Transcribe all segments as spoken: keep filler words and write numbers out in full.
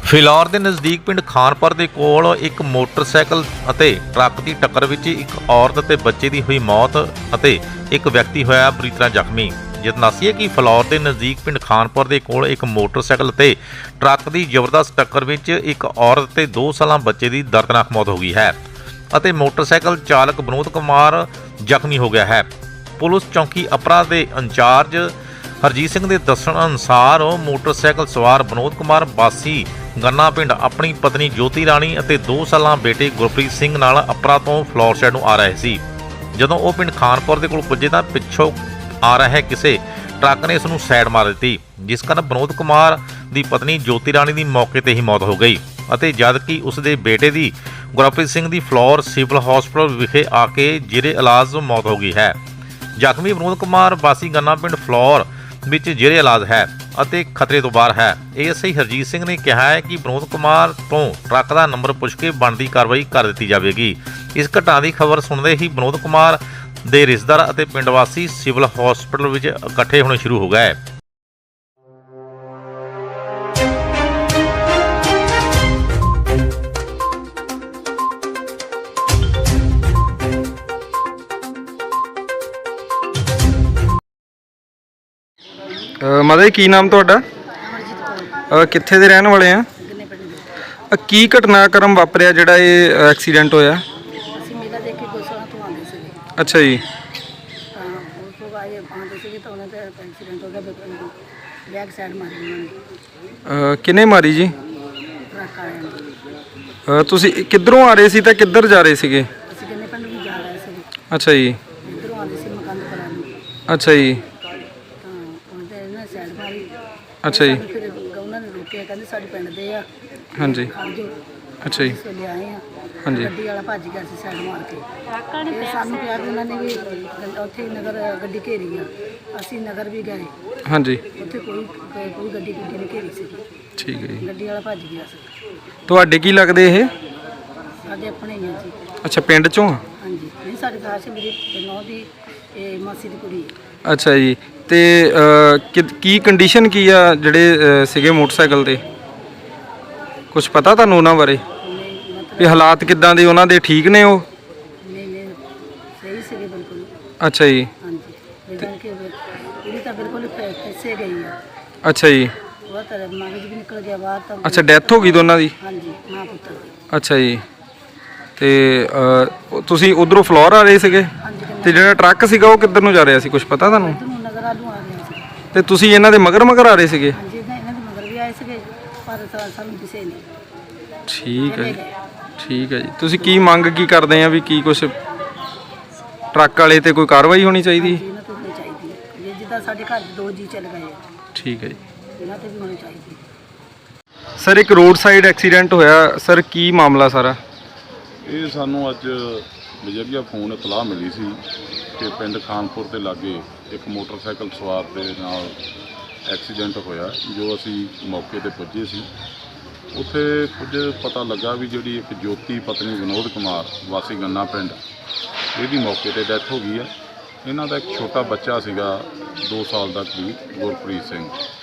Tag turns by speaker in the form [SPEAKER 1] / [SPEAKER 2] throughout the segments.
[SPEAKER 1] ਫਿਲੌਰ ਦੇ ਨਜ਼ਦੀਕ ਪਿੰਡ ਖਾਨਪੁਰ ਦੇ ਕੋਲ ਇੱਕ ਮੋਟਰਸਾਈਕਲ ਅਤੇ ਟਰੱਕ ਦੀ ਟੱਕਰ ਵਿੱਚ ਇੱਕ ਔਰਤ ਤੇ ਬੱਚੇ ਦੀ ਹੋਈ ਮੌਤ ਅਤੇ ਇੱਕ ਵਿਅਕਤੀ ਹੋਇਆ ਬੁਰੀ ਤਰ੍ਹਾਂ ਜ਼ਖਮੀ। ਦੱਸੀਏ ਕਿ ਫਿਲੌਰ ਦੇ ਨਜ਼ਦੀਕ ਪਿੰਡ ਖਾਨਪੁਰ ਦੇ ਕੋਲ ਇੱਕ ਮੋਟਰਸਾਈਕਲ ਤੇ ਟਰੱਕ ਦੀ ਜ਼ਬਰਦਸਤ ਟੱਕਰ ਵਿੱਚ ਇੱਕ ਔਰਤ ਤੇ ਦੋ ਸਾਲਾਂ ਬੱਚੇ ਦੀ ਦਰਦਨਾਕ ਮੌਤ ਹੋ ਗਈ ਹੈ ਅਤੇ ਮੋਟਰਸਾਈਕਲ ਚਾਲਕ ਵਿਨੋਦ ਕੁਮਾਰ ਜ਼ਖਮੀ ਹੋ ਗਿਆ ਹੈ। ਪੁਲਿਸ ਚੌਂਕੀ ਅਪਰਾ ਦੇ ਇੰਚਾਰਜ ਹਰਜੀਤ ਸਿੰਘ ਦੇ ਦੱਸਣ ਅਨੁਸਾਰ ਮੋਟਰਸਾਈਕਲ ਸਵਾਰ ਵਿਨੋਦ ਕੁਮਾਰ ਵਾਸੀ ਗੰਨਾ ਪਿੰਡ ਆਪਣੀ ਪਤਨੀ ਜੋਤੀ ਰਾਣੀ ਅਤੇ ਦੋ ਸਾਲਾਂ ਬੇਟੇ ਗੁਰਪ੍ਰੀਤ ਸਿੰਘ ਨਾਲ ਅਪਰਾ ਤੋਂ ਫਿਲੌਰ ਸਾਈਡ ਨੂੰ ਆ ਰਹੇ ਸੀ। ਜਦੋਂ ਉਹ ਪਿੰਡ ਖਾਨਪੁਰ ਦੇ ਕੋਲ ਪੁੱਜੇ ਤਾਂ ਪਿੱਛੋਂ ਆ ਰਹੇ ਕਿਸੇ ਟਰੱਕ ਨੇ ਇਸ ਨੂੰ ਸਾਈਡ ਮਾਰ ਦਿੱਤੀ, ਜਿਸ ਕਾਰਨ ਵਿਨੋਦ ਕੁਮਾਰ ਦੀ ਪਤਨੀ ਜੋਤੀ ਰਾਣੀ ਦੀ ਮੌਕੇ ਤੇ ਹੀ ਮੌਤ ਹੋ ਗਈ ਅਤੇ ਜਦਕਿ ਉਸ ਦੇ ਬੇਟੇ ਦੀ ਗੁਰਪ੍ਰੀਤ ਸਿੰਘ ਦੀ ਫਿਲੌਰ ਸਿਵਲ ਹਸਪਤਾਲ ਵਿਖੇ ਆ ਕੇ ਜੇਰੇ ਇਲਾਜ ਮੌਤ ਹੋ ਗਈ ਹੈ। ਜ਼ਖਮੀ ਵਿਨੋਦ ਕੁਮਾਰ ਵਾਸੀ ਗੰਨਾ ਪਿੰਡ ਫਿਲੌਰ ਵਿੱਚ ਜੇਰੇ ਇਲਾਜ ਹੈ ਅਤੇ ਖਤਰੇ ਤੋਂ ਬਾਹਰ ਹੈ। ਏਐਸਆਈ ਹਰਜੀਤ ਸਿੰਘ ਨੇ ਕਿਹਾ ਹੈ ਕਿ ਵਿਨੋਦ ਕੁਮਾਰ ਤੋਂ ਟਰੱਕ ਦਾ ਨੰਬਰ ਪੁੱਛ ਕੇ ਬਣਦੀ ਕਾਰਵਾਈ ਕਰ ਦਿੱਤੀ ਜਾਵੇਗੀ। ਇਸ ਘਟਨਾ ਦੀ ਖਬਰ ਸੁਣਦੇ ਹੀ ਵਿਨੋਦ ਕੁਮਾਰ ਦੇ ਰਿਸ਼ਤੇਦਾਰ ਅਤੇ ਪਿੰਡ ਵਾਸੀ ਸਿਵਲ ਹਸਪਤਾਲ ਵਿੱਚ ਇਕੱਠੇ ਹੋਣੇ ਸ਼ੁਰੂ ਹੋ ਗਏ।
[SPEAKER 2] ਮਾਤਾ ਕੀ ਨਾਮ ਤੁਹਾਡਾ? ਕਿੱਥੇ ਦੇ ਰਹਿਣ ਵਾਲੇ ਆ? ਕੀ ਘਟਨਾਕ੍ਰਮ ਵਾਪਰਿਆ ਜਿਹੜਾ ਇਹ ਐਕਸੀਡੈਂਟ ਹੋਇਆ?
[SPEAKER 3] ਅਸੀਂ ਮੇਲਾ ਦੇਖ ਕੇ ਗੋਸਾਲਾ ਤੋਂ ਆਉਂਦੇ ਸੀਗੇ।
[SPEAKER 2] ਅੱਛਾ ਜੀ।
[SPEAKER 3] ਤਾਂ ਉਸ ਤੋਂ ਬਾਅਦ ਆਉਂਦੇ ਸੀਗੇ ਤਾਂ ਉਹਨਾਂ ਦਾ ਐਕਸੀਡੈਂਟ ਹੋ ਗਿਆ। ਬੈਕ ਸਾਈਡ ਮਾਰੀ ਉਹਨਾਂ ਨੇ।
[SPEAKER 2] ਕਿਹਨੇ ਮਾਰੀ ਜੀ?
[SPEAKER 3] ਟਰੱਕ ਆਇਆ।
[SPEAKER 2] ਤੁਸੀਂ ਕਿੱਧਰੋਂ ਆ ਰਹੇ ਸੀ ਤਾਂ ਕਿੱਧਰ ਜਾ ਰਹੇ ਸੀਗੇ?
[SPEAKER 3] ਅਸੀਂ ਕਿੰਨੇ ਪਿੰਡ ਨੂੰ ਜਾ ਰਹੇ ਸੀ।
[SPEAKER 2] ਅੱਛਾ ਜੀ।
[SPEAKER 3] ਇੱਧਰੋਂ ਆਉਂਦੇ ਸੀ ਮਕਾਨ ਕਰਾਂ ਨੂੰ।
[SPEAKER 2] ਅੱਛਾ ਜੀ।
[SPEAKER 3] ਤਾਂ ਉਹਦੇ ਇਹਨਾਂ ਸਾਈਡ ਮਾਰੀ।
[SPEAKER 2] ਅੱਛਾ ਜੀ।
[SPEAKER 3] ਫਿਰ ਉਹਨਾਂ ਨੇ ਰੋਕਿਆ, ਕਹਿੰਦੇ ਸਾਡੇ ਪਿੰਡ ਦੇ ਆ।
[SPEAKER 2] ਹਾਂਜੀ। ਅੱਛਾ ਜੀ।
[SPEAKER 3] ਇਸ ਵੇਲੇ ਆਏ ਆ।
[SPEAKER 2] ਹਾਂਜੀ।
[SPEAKER 3] ਗੱਡੀ ਵਾਲਾ ਭੱਜ ਗਿਆ ਸੀ ਸਾਈਡ ਮਾਰ ਕੇ। ਇਹ ਸਾਨੂੰ ਕਿਹਾ ਕਿ ਉਹਨਾਂ ਨੇ ਵੀ ਉੱਥੇ ਨਗਰ ਗੱਡੀ ਘੇਰੀ ਆ। ਅਸੀਂ ਨਗਰ ਵੀ ਗਏ।
[SPEAKER 2] ਹਾਂਜੀ।
[SPEAKER 3] ਉੱਥੇ ਕੋਈ ਕੋਈ ਗੱਡੀ ਗੁੱਡੀ ਨਹੀਂ ਘੇਰੀ ਸੀ।
[SPEAKER 2] ਠੀਕ ਹੈ ਜੀ।
[SPEAKER 3] ਗੱਡੀ ਵਾਲਾ ਭੱਜ ਗਿਆ ਸੀ।
[SPEAKER 2] ਤੁਹਾਡੇ ਕੀ ਲੱਗਦੇ ਇਹ?
[SPEAKER 3] ਸਾਡੇ ਆਪਣੇ ਹੀ ਆ ਜੀ।
[SPEAKER 2] ਅੱਛਾ, ਪਿੰਡ ਚੋਂ?
[SPEAKER 3] ਹਾਂਜੀ। ਨਹੀਂ, ਸਾਡੇ ਘਰ ਸੀ ਮੇਰੀ ਨੌਂ ਦੀ ਇਹ ਮਾਸੀ ਦੀ ਕੁੜੀ ਹੈ।
[SPEAKER 2] ਅੱਛਾ ਜੀ। ਤੇ ਕੀ ਕੰਡੀਸ਼ਨ ਕੀ ਆ ਜਿਹੜੇ ਸੀਗੇ ਮੋਟਰਸਾਈਕਲ ਤੇ? ਕੁਝ ਪਤਾ ਤੁਹਾਨੂੰ ਉਹਨਾਂ ਬਾਰੇ
[SPEAKER 3] ਨਹੀਂ, ਮਤਲਬ
[SPEAKER 2] ਵੀ ਹਾਲਾਤ ਕਿੱਦਾਂ ਦੇ ਉਹਨਾਂ ਦੇ? ਠੀਕ ਨੇ ਉਹ?
[SPEAKER 3] ਨਹੀਂ ਨਹੀਂ ਸਹੀ ਸੀਗੇ ਬਿਲਕੁਲ।
[SPEAKER 2] ਅੱਛਾ ਜੀ।
[SPEAKER 3] ਹਾਂਜੀ। ਜਿੱਦਾਂ ਕਿ ਕੁੜੀ ਤਾਂ ਬਿਲਕੁਲ ਫਸੇ ਗਈ ਆ।
[SPEAKER 2] ਅੱਛਾ ਜੀ।
[SPEAKER 3] ਉਹ ਤਾਂ ਮਗਜ ਵੀ ਨਿਕਲ ਗਿਆ ਬਾਹਰ ਤਾਂ।
[SPEAKER 2] ਅੱਛਾ, ਡੈਥ ਹੋ ਗਈ ਦੋਨਾਂ ਦੀ?
[SPEAKER 3] ਹਾਂਜੀ, ਮਾਂ ਪੁੱਤਰ ਦੀ।
[SPEAKER 2] ਅੱਛਾ ਜੀ। ਤੇ ਤੁਸੀਂ ਉਧਰੋਂ ਫਲੋਰ ਆ ਰਹੇ ਸੀਗੇ ਤੇ ਜਿਹੜਾ ਟਰੱਕ ਸੀਗਾ ਉਹ ਕਿੱਧਰ ਨੂੰ ਜਾ ਰਿਹਾ ਸੀ, ਕੁਝ ਪਤਾ ਤੁਹਾਨੂੰ?
[SPEAKER 3] ਨਗਰ ਆਲੂ ਆ ਗਿਆ ਸੀ।
[SPEAKER 2] ਤੇ ਤੁਸੀਂ ਇਹਨਾਂ ਦੇ ਮਗਰ ਮਗਰ ਆ ਰਹੇ ਸੀਗੇ?
[SPEAKER 3] ਹਾਂਜੀ, ਇਹਨਾਂ ਦੇ ਮਗਰ ਵੀ ਆਏ ਸੀਗੇ ਪਰ ਸਾਨੂੰ ਕਿਸੇ ਨੇ।
[SPEAKER 2] ਠੀਕ ਹੈ ਜੀ। ਠੀਕ ਹੈ ਜੀ। ਤੁਸੀਂ ਕੀ ਮੰਗ ਕੀ ਕਰਦੇ ਆ ਵੀ ਕੀ ਕੁਝ ਟਰੱਕ ਵਾਲੇ ਤੇ ਕੋਈ ਕਾਰਵਾਈ ਹੋਣੀ ਚਾਹੀਦੀ?
[SPEAKER 3] ਇਹਨਾਂ ਤੇ ਹੋਣੀ ਚਾਹੀਦੀ ਹੈ। ਜਿੱਦਾਂ ਸਾਡੇ ਘਰ ਦੋ ਜੀ ਚੱਲ ਗਏ ਆ।
[SPEAKER 2] ਠੀਕ ਹੈ ਜੀ।
[SPEAKER 3] ਇਹਨਾਂ ਤੇ ਵੀ ਹੋਣੀ ਚਾਹੀਦੀ।
[SPEAKER 2] ਸਰ, ਇੱਕ ਰੋਡ ਸਾਈਡ ਐਕਸੀਡੈਂਟ ਹੋਇਆ ਸਰ, ਕੀ ਮਾਮਲਾ ਸਾਰਾ?
[SPEAKER 4] ਇਹ ਸਾਨੂੰ ਅੱਜ ਬਜਰੀਆ ਫੋਨ ਇਤਲਾਹ ਮਿਲੀ ਸੀ ਕਿ ਪਿੰਡ ਖਾਨਪੁਰ ਦੇ ਲਾਗੇ ਇੱਕ ਮੋਟਰਸਾਈਕਲ ਸਵਾਰ ਦੇ ਨਾਲ ਐਕਸੀਡੈਂਟ ਹੋਇਆ। ਜੋ ਅਸੀਂ ਮੌਕੇ ਤੇ ਪੁੱਜੇ ਸੀ, ਉੱਥੇ ਕੁਝ ਪਤਾ ਲੱਗਾ ਵੀ ਜਿਹੜੀ ਇੱਕ ਜੋਤੀ ਪਤਨੀ ਵਿਨੋਦ ਕੁਮਾਰ ਵਾਸੀ ਗੰਨਾ ਪਿੰਡ, ਇਹਦੀ ਮੌਕੇ ਤੇ ਡੈਥ ਹੋ ਗਈ ਹੈ। ਇਹਨਾਂ ਦਾ ਇੱਕ ਛੋਟਾ ਬੱਚਾ ਸੀਗਾ ਦੋ ਸਾਲ ਦਾ ਕਰੀਬ, ਗੁਰਪ੍ਰੀਤ ਸਿੰਘ,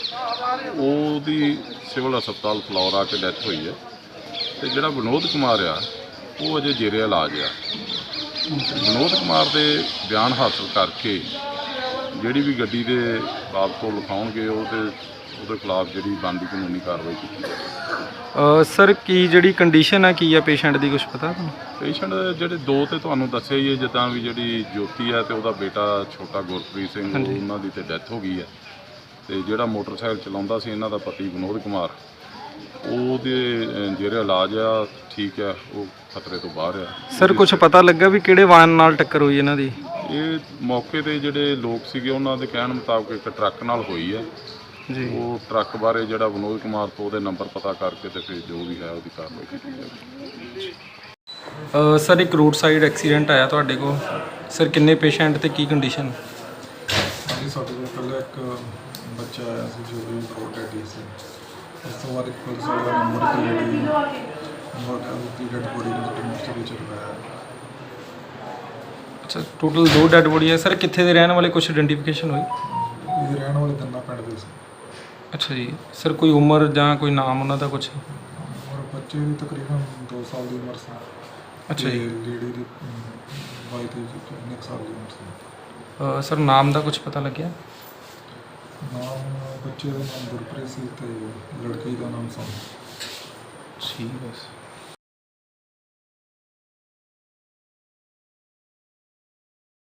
[SPEAKER 4] ਉਹਦੀ ਸਿਵਲ ਹਸਪਤਾਲ ਫਿਲੌਰ ਆ ਕੇ ਡੈਥ ਹੋਈ ਹੈ। ਅਤੇ ਜਿਹੜਾ ਵਿਨੋਦ ਕੁਮਾਰ ਆ ਉਹ ਅਜੇ ਜੇਰੇ ਇਲਾਜ ਆ। ਵਿਨੋਦ ਕੁਮਾਰ ਦੇ ਬਿਆਨ ਹਾਸਲ ਕਰਕੇ ਜਿਹੜੀ ਵੀ ਗੱਡੀ ਦੇ ਬਾਬਤ ਤੋਂ ਲਿਖਾਉਣਗੇ ਉਹਦੇ ਉਹਦੇ ਖਿਲਾਫ ਜਿਹੜੀ ਬਣਦੀ ਕਾਨੂੰਨੀ ਕਾਰਵਾਈ ਕੀਤੀ ਜਾਵੇ।
[SPEAKER 2] ਸਰ, ਕੀ ਜਿਹੜੀ ਕੰਡੀਸ਼ਨ ਹੈ ਕੀ ਆ ਪੇਸ਼ੈਂਟ ਦੀ, ਕੁਝ ਪਤਾ ਤੁਹਾਨੂੰ?
[SPEAKER 4] ਪੇਸ਼ੈਂਟ ਜਿਹੜੇ ਦੋ ਤੇ ਤੁਹਾਨੂੰ ਦੱਸਿਆ ਹੀ ਹੈ, ਜਿੱਦਾਂ ਵੀ ਜਿਹੜੀ ਜੋਤੀ ਹੈ ਤੇ ਉਹਦਾ ਬੇਟਾ ਛੋਟਾ ਗੁਰਪ੍ਰੀਤ ਸਿੰਘ, ਉਹਨਾਂ ਦੀ ਤੇ ਡੈਥ ਹੋ ਗਈ ਹੈ। ਤੇ ਜਿਹੜਾ ਮੋਟਰਸਾਈਕਲ ਚਲਾਉਂਦਾ ਸੀ ਇਹਨਾਂ ਦਾ ਪਤੀ ਵਿਨੋਦ ਕੁਮਾਰ, ਉਹਦੇ ਜਿਹੜੇ ਇਲਾਜ ਆ ਠੀਕ ਆ, ਉਹ ਖਤਰੇ ਤੋਂ ਬਾਹਰ ਆ।
[SPEAKER 2] ਸਰ, ਕੁਝ ਪਤਾ ਲੱਗਾ ਵੀ ਕਿਹੜੇ ਵਾਹਨ ਨਾਲ ਟੱਕਰ ਹੋਈ ਇਹਨਾਂ ਦੀ?
[SPEAKER 4] ਇਹ ਮੌਕੇ ਤੇ ਜਿਹੜੇ ਲੋਕ ਸੀਗੇ ਉਹਨਾਂ ਦੇ ਕਹਿਣ ਮੁਤਾਬਕ ਇੱਕ ਟਰੱਕ ਨਾਲ ਹੋਈ ਹੈ ਜੀ। ਉਹ ਟਰੱਕ ਬਾਰੇ ਜਿਹੜਾ ਵਿਨੋਦ ਕੁਮਾਰ ਤੋਂ ਉਹਦੇ ਨੰਬਰ ਪਤਾ ਕਰਕੇ ਤੇ ਫਿਰ ਜੋ ਵੀ ਹੈ ਉਹਦੀ ਕਾਰਵਾਈ ਕੀਤੀ ਜਾਵੇ।
[SPEAKER 2] ਸਰ, ਇੱਕ ਰੋਡ ਸਾਈਡ ਐਕਸੀਡੈਂਟ ਆਇਆ ਤੁਹਾਡੇ ਕੋਲ ਸਰ, ਕਿੰਨੇ ਪੇਸ਼ੈਂਟ ਤੇ ਕੀ ਕੰਡੀਸ਼ਨ?
[SPEAKER 5] ਹਾਂਜੀ, ਸਾਡੇ ਕੋਲ ਪਹਿਲਾਂ ਇੱਕ ਬੱਚਾ ਆਇਆ ਸੀ ਜੋ ਵੀ ਬਹੁਤ ਡੈਡੀ ਸੀ। ਉਸ ਤੋਂ ਬਾਅਦ ਇੱਕ ਪੁਲਿਸ ਵਾਲਾ ਨੰਬਰ ਤੇ ਜਿਹੜੀ ਦੀ ਡੈਡ ਬੋਡੀ ਨੂੰ ਮੋਸਟਲੀ ਚਲਵਾਇਆ।
[SPEAKER 2] ਅੱਛਾ, ਟੋਟਲ ਦੋ ਡੈਡ ਬੋਡੀ ਹੈ ਸਰ। ਕਿੱਥੇ ਦੇ ਰਹਿਣ ਵਾਲੇ, ਕੁਝ ਆਇਡੈਂਟੀਫਿਕੇਸ਼ਨ ਹੋਈ?
[SPEAKER 5] ਇਹ ਰਹਿਣ ਵਾਲੇ ਗੰਨਾ ਪਿੰਡ ਦੇ ਸੀ।
[SPEAKER 2] ਅੱਛਾ ਜੀ। ਸਰ, ਕੋਈ ਉਮਰ ਜਾਂ ਕੋਈ ਨਾਮ ਉਹਨਾਂ ਦਾ ਕੁਝ?
[SPEAKER 5] ਬੱਚੇ ਦੀ ਤਕਰੀਬਨ ਦੋ ਸਾਲ ਦੀ ਉਮਰ ਸੀ।
[SPEAKER 2] ਅੱਛਾ ਜੀ।
[SPEAKER 5] ਲੇਡੀ ਦੀ ਬਾਈ ਤੇਈ ਉੱਨੀ ਕੁ ਸਾਲ ਦੀ ਉਮਰ ਸੀ।
[SPEAKER 2] ਅ, ਸਰ ਨਾਮ ਦਾ ਕੁਝ ਪਤਾ ਲੱਗਿਆ?
[SPEAKER 5] ਨਾਮ ਬੱਚੇ ਦਾ ਨਾਮ ਗੁਰਪ੍ਰੀਤ ਸੀ ਤੇ ਲੜਕੀ ਦਾ ਨਾਮ ਸੋਨਮ।
[SPEAKER 2] ਠੀਕ ਹੈ।